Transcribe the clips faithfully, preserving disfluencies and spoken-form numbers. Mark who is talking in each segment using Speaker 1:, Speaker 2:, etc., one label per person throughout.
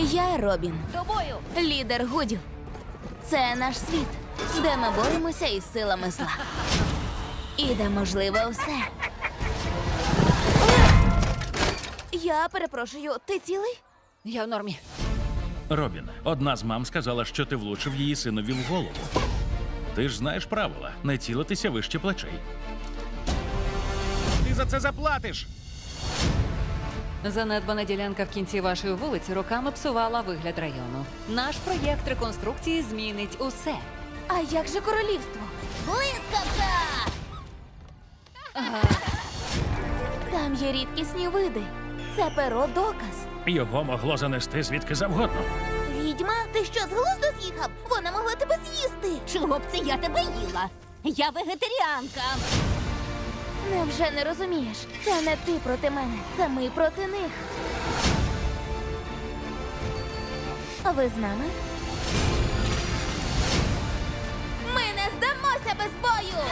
Speaker 1: Я Робін,
Speaker 2: Тобою!
Speaker 1: лідер Гудів. Це наш світ, де ми боремося із силами зла. І де можливе усе. Я перепрошую, ти цілий?
Speaker 2: Я в нормі.
Speaker 3: Робін, одна з мам сказала, що ти влучив її синові в голову. Ти ж знаєш правила – не цілитися вище плечей. Ти за це заплатиш!
Speaker 2: Занедбана ділянка в кінці вашої вулиці роками псувала вигляд району. Наш проєкт реконструкції змінить усе.
Speaker 1: А як же королівство? Блискавка! Там є рідкісні види. Це перо доказ.
Speaker 3: Його могло занести звідки завгодно.
Speaker 1: Відьма, ти що, з глузду з'їхав? Вона могла тебе з'їсти.
Speaker 4: Чого б це я тебе їла? Я вегетаріанка.
Speaker 1: Невже не розумієш? Це не ти проти мене, це ми проти них. А ви з нами? Ми не здамося без бою!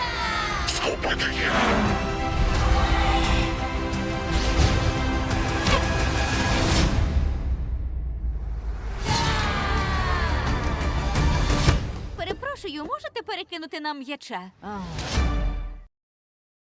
Speaker 4: Перепрошую, можете перекинути нам м'яча?
Speaker 2: А,